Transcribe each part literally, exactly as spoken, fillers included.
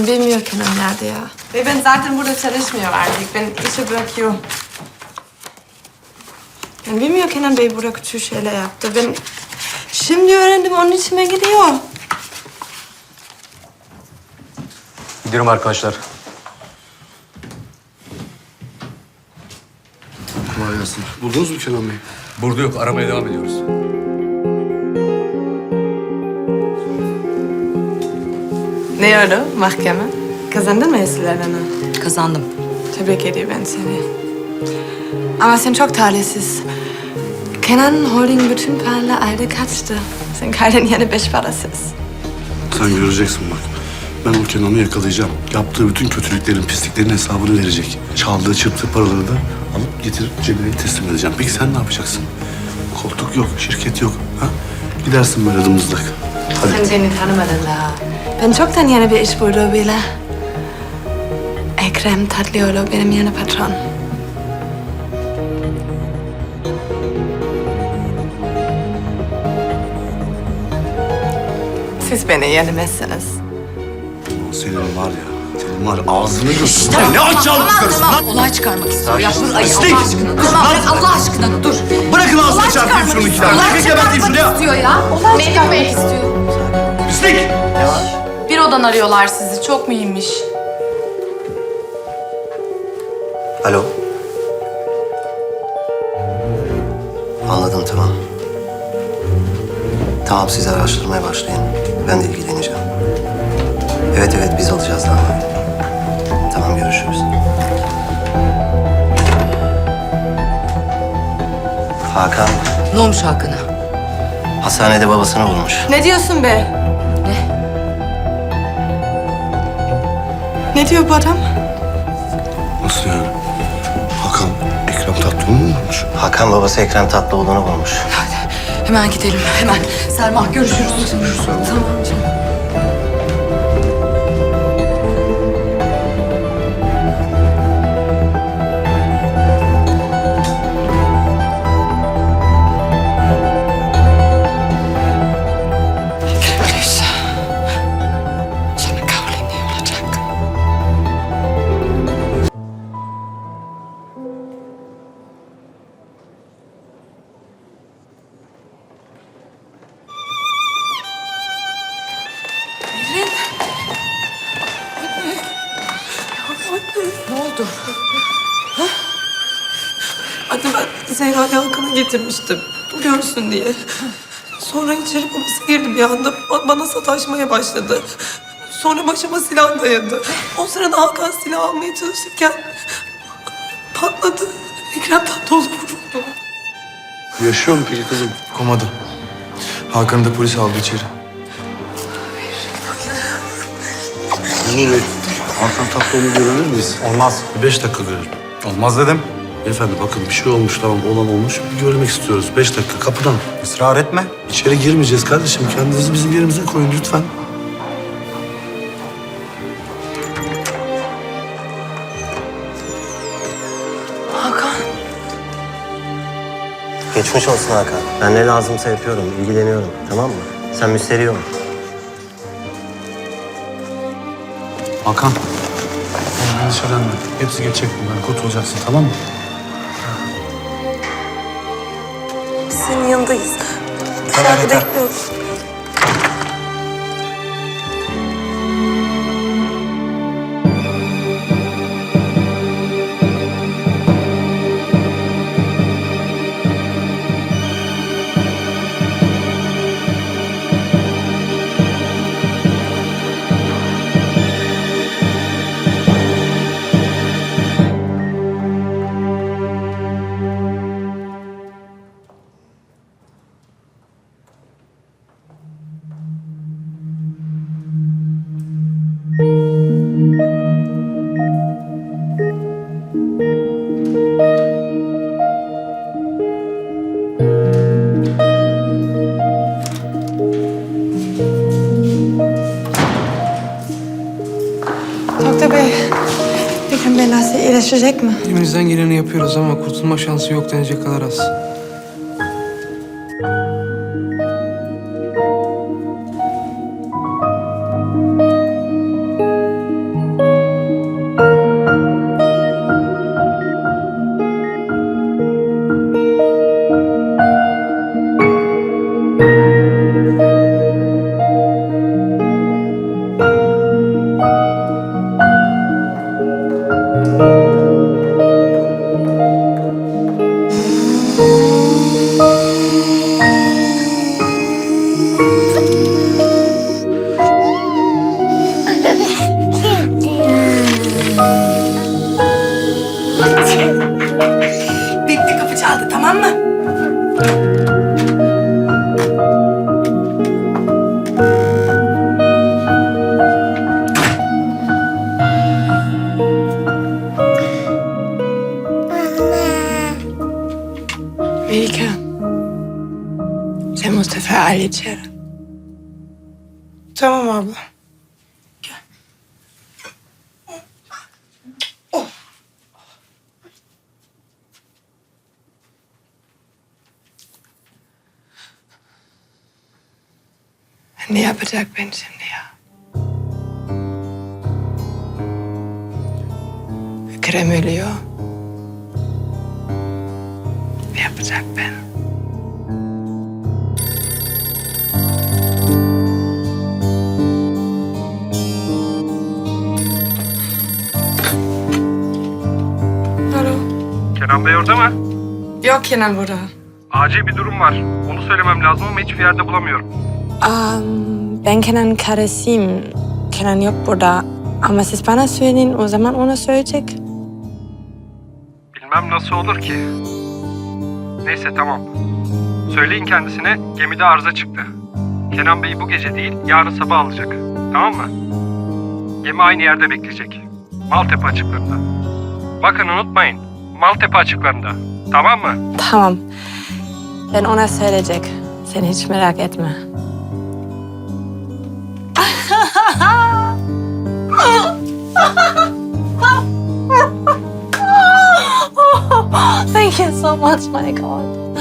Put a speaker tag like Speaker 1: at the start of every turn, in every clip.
Speaker 1: Ben bilmiyorum Kenan nerede ya. Ve ben zaten burada çalışmıyor artık. Ben işi bırakıyorum. Ben bilmiyorum Kenan Bey burada kötü şeyler yaptı. Ben şimdi öğrendim, onun içime gidiyor.
Speaker 2: Gidiyorum arkadaşlar.
Speaker 3: Kolay gelsin. Buldunuz mu Kenan Bey?
Speaker 2: Burada yok. Aramaya devam ediyoruz.
Speaker 1: Ne oldu mahkeme? Kazandın mı esirlerini?
Speaker 4: Kazandım.
Speaker 1: Tebrik ediyorum ben seni. Ama sen çok talihsiz. Kenan Holding bütün paralar aldı kaçtı. Sen kaldın yani beş parasız.
Speaker 3: Sen göreceksin bak. Ben o Kenan'ı yakalayacağım. Yaptığı bütün kötülüklerin, pisliklerin hesabını verecek. Çaldığı, çırptığı paraları da alıp getirip cebine teslim edeceğim. Peki sen ne yapacaksın? Koltuk yok, şirket yok. Ha? Gidersin böyle dımızlak. Hadi.
Speaker 1: Sen beni tanımadın daha. Ben çoktan yeni bir iş buldum bile. Ekrem Tatlıoğlu benim yeni patron. Siz beni yenemezsiniz.
Speaker 3: Senin var ya, senin var ya ağzını götür.
Speaker 4: Tamam,
Speaker 3: Ne aç
Speaker 4: tamam,
Speaker 3: almışsın
Speaker 4: tamam,
Speaker 3: lan?
Speaker 4: olay çıkarmak istiyor. Ya dur, ay
Speaker 3: Pislik!
Speaker 4: Allah aşkına. Tamam, ben Allah aşkına dur.
Speaker 3: Bırakın ağzına
Speaker 4: Olay
Speaker 3: çarpayım şunu iki tane.
Speaker 4: Olay
Speaker 3: Çekil geberteyim şunu
Speaker 4: çıkarmak
Speaker 3: ya.
Speaker 4: istiyor ya. Olay çıkarmak istiyor.
Speaker 3: Pislik!
Speaker 5: Bir odan arıyorlar sizi. Çok mühimmiş.
Speaker 6: Alo. Anladım, tamam. Tamam, siz araştırmaya başlayın. Ben de ilgileneceğim. Evet evet, biz alacağız davayı. Tamam, görüşürüz. Hakan,
Speaker 4: Ne olmuş Hakan'a?
Speaker 6: hastanede babasını vurmuş.
Speaker 1: Ne diyorsun be?
Speaker 4: Ne?
Speaker 1: Ne diyor bu adam?
Speaker 3: Nasıl yani? Hakan, Ekrem Tatlıoğlu mu vurmuş?
Speaker 6: Hakan babası Ekrem Tatlıoğlu'nu vurmuş.
Speaker 4: Hemen gidelim, hemen. Selma, görüşürüz. Tamam canım.
Speaker 1: Öyleyse sana kavlayın ne olacak?
Speaker 4: Ne oldu?
Speaker 1: Anne ben Zehra Yalkan'ı getirmiştim. Görsün diye. Sonra içeri babası girdi bir anda. Ba- Bana sataşmaya başladı. Sonra başıma silah dayadı. O sırada Hakan silah almaya çalışırken patladı. Ekrem Tatlıoğlu vuruldu.
Speaker 3: Yaşıyor mu peki kızım?
Speaker 7: Komada. Hakan'ı da polis aldı içeri.
Speaker 3: Memur Bey, Hakan Tatlıoğlu'nu görebilir miyiz?
Speaker 7: Olmaz.
Speaker 3: Bir beş dakika görelim.
Speaker 7: Olmaz dedim.
Speaker 3: Beyefendi bakın bir şey olmuş, tamam olan olmuş. Bir görmek istiyoruz. Beş dakika kapıdan.
Speaker 7: Israr etme.
Speaker 3: İçeri girmeyeceğiz kardeşim. Kendinizi bizim yerimize koyun lütfen.
Speaker 6: Geçmiş olsun Hakan. Ben ne lazımsa yapıyorum, ilgileniyorum. Tamam mı? Sen müşteri ol.
Speaker 3: Hakan. Endişelenme. Hepsi geçecek bunlar. Kurtulacaksın, tamam mı?
Speaker 1: Biz senin yanındayız. Dışarıda bekliyoruz. Doktor Bey, Ekrem Bey nasıl iyileşecek mi?
Speaker 7: Elimizden geleni yapıyoruz ama kurtulma şansı yok denecek kadar az.
Speaker 1: Tamam mı? Melike. Sen Mustafa Ali içeri. Tamam abla. Ne yapacak ben şimdi ya? Ekrem ölüyor. Ne yapacak ben? Alo.
Speaker 8: Kenan Bey orada mı?
Speaker 1: Yok Kenan burada.
Speaker 8: Acil bir durum var. Onu söylemem lazım ama hiçbir yerde bulamıyorum.
Speaker 1: Um, ben Kenan karısıyım. Kenan yok burada. Ama siz bana söyleyin, o zaman ona söyleyecek.
Speaker 8: Bilmem nasıl olur ki. Neyse tamam. Söyleyin kendisine gemide arıza çıktı. Kenan Bey'i bu gece değil yarın sabah alacak. Tamam mı? Gemi aynı yerde bekleyecek. Maltepe açıklarında. Bakın unutmayın. Maltepe açıklarında. Tamam mı?
Speaker 1: Tamam. Ben ona söyleyecek. Sen hiç merak etme. Thank you so much, my God.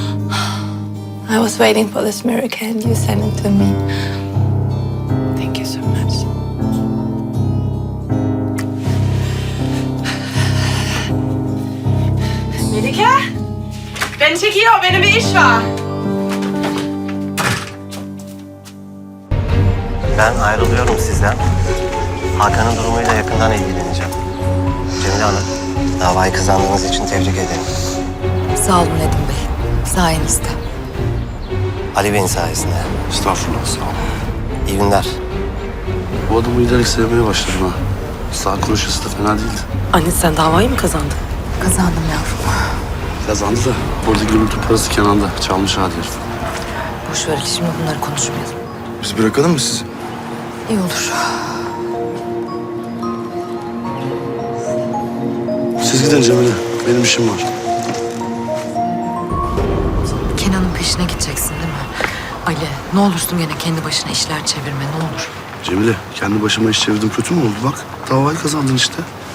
Speaker 1: I was waiting for this miracle and you sent it to me. Thank you so much. Melike, beni çekiyor, benim bir iş var.
Speaker 6: Ben ayrılıyorum sizden. Hakan'ın durumuyla yakından ilgileneceğim. Cemile Hanım, davayı kazandığınız için tebrik ederim.
Speaker 4: Sağ olun Nedim Bey. Sayenizde.
Speaker 6: Ali Bey'in sayesinde.
Speaker 3: Estağfurullah, sağ ol.
Speaker 6: İyi günler.
Speaker 3: Bu adamı giderek sevmeye başladım ha. Sağ konuşması da fena değildi.
Speaker 4: Anne sen davayı mı kazandın? Kazandım yavrum.
Speaker 3: Kazandı da orada gürültü parası Kenan'da. Çalmış hadi herif.
Speaker 4: Boş ver şimdi bunları konuşmayalım.
Speaker 3: Biz bırakalım mı sizi?
Speaker 4: İyi olur.
Speaker 3: Siz gidin Cemile. Benim işim var.
Speaker 4: Kenan'ın peşine gideceksin değil mi? Ali ne olursun gene kendi başına işler çevirme ne olur.
Speaker 3: Cemile, kendi başıma iş çevirdim. Kötü mü oldu bak? Davayı kazandın işte.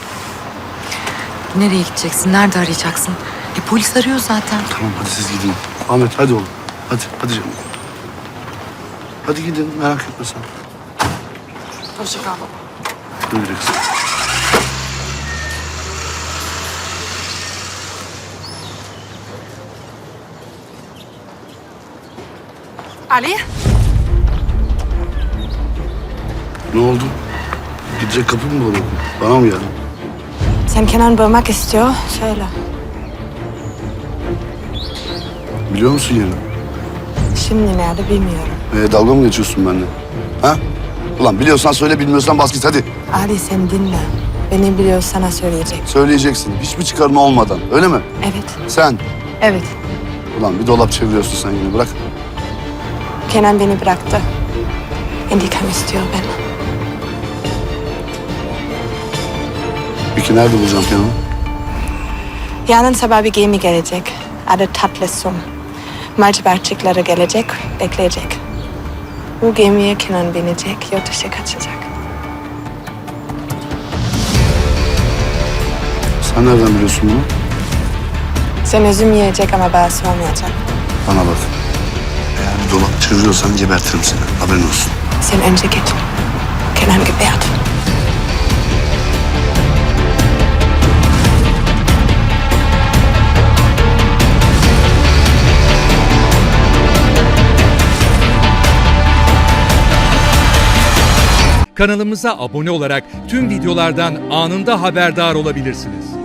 Speaker 4: Nereye gideceksin? Nerede arayacaksın? E polis arıyor zaten.
Speaker 3: Tamam hadi siz gidin. Ahmet hadi oğlum. Hadi, hadi Cemile. Hadi gidin, merak etme sen.
Speaker 1: Hoşça kal baba.
Speaker 3: Güle güle kızım.
Speaker 1: Ali?
Speaker 3: Ne oldu? Gidecek kapı mı bulamadın? Bana mı geldin?
Speaker 1: Sen Kenan bulmak istiyor, söyle.
Speaker 3: Biliyor musun yerini?
Speaker 1: Şimdi nerede bilmiyorum.
Speaker 3: Ee, dalga mı geçiyorsun benimle? Ha? Ulan biliyorsan söyle, bilmiyorsan bas git hadi.
Speaker 1: Ali sen dinle. Beni biliyor sana söyleyecek.
Speaker 3: Söyleyeceksin. Hiçbir çıkarma olmadan. Öyle mi?
Speaker 1: Evet,
Speaker 3: Sen.
Speaker 1: evet.
Speaker 3: Ulan bir dolap çeviriyorsun sen yine. Bırak.
Speaker 1: Kenan beni bıraktı. İntikam istiyor beni.
Speaker 3: Peki nerede bulacağım Kenan'ı?
Speaker 1: Yarın sabah bir gemi gelecek. Adı Tatlı Sum. Maltepe açıkları gelecek, bekleyecek. Bu gemiye Kenan binecek, yurt dışı kaçacak.
Speaker 3: Sen nereden biliyorsun bunu?
Speaker 1: Sen üzüm yiyecek ama bana sormayacak.
Speaker 3: Bana bak. Eğer bir dolap çeviriyorsan gebertirim seni. Haberin olsun.
Speaker 1: Sen önce git. Kenan gebert.
Speaker 9: Kanalımıza abone olarak tüm videolardan anında haberdar olabilirsiniz.